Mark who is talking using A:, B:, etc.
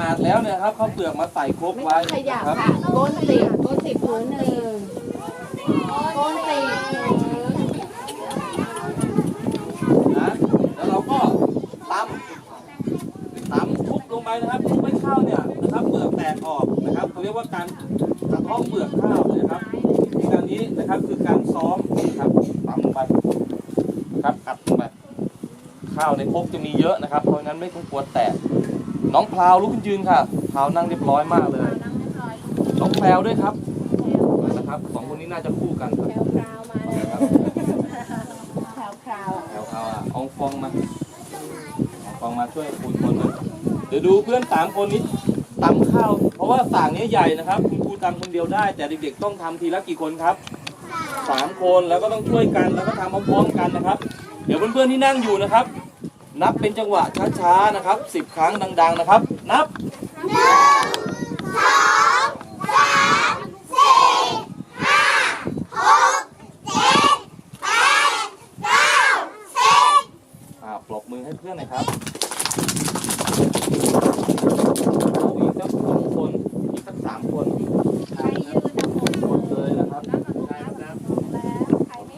A: ดแล้วเนี่ยครับข้าวเปลือกมาใส่ครก
B: ไม่
A: ไว้
B: ต้องขยับ
A: ครับ
B: ค่ะก้นติดพื้นหนึ่งก้นติด
A: นะแล้วเราก็ตำทุบลงไปนะครับทุบให้ข้าวเนี่ยนะครับเปลือกแตกออกนะครับเขาเรียกว่าการกระเทาะเปลือกข้าวนะครับการนี้นะครับคือการซ้อมนะครับตำลงไปนะครับกัดลงไปข้าวในครกจะมีเยอะนะครับเพราะงั้นไม่ต้องกลัวแตกน้องพราวลุกขึ้นยืนค่ะพราวนั่งเรียบร้อยมากเลยน้องแพรวด้วยครับนะครับสองคนนี้น่าจะคู่กันครับ
B: แถวคราวมาเลยแถวคราว
A: แถวเขาเอาฟองมาช่วยคุณคนหนึ่งเดี๋ยวดูเพื่อน3 คนนี้ตำข้าวเพราะว่าสากนี้ใหญ่นะครับคุณครูตำคนเดียวได้แต่เด็กๆต้องทำทีละกี่คนครับ3 คนแล้วก็ต้องช่วยกันแล้วก็ทำพร้อมๆกันนะครับเดี๋ยวเพื่อนๆที่นั่งอยู่นะครับนับเป็นจังหวะช้าๆนะครับ10 ครั้งดังๆนะครับนับปรบมือให้เพื่อนหน่อยครับอีกสัก2 คนอีกสัก3 คน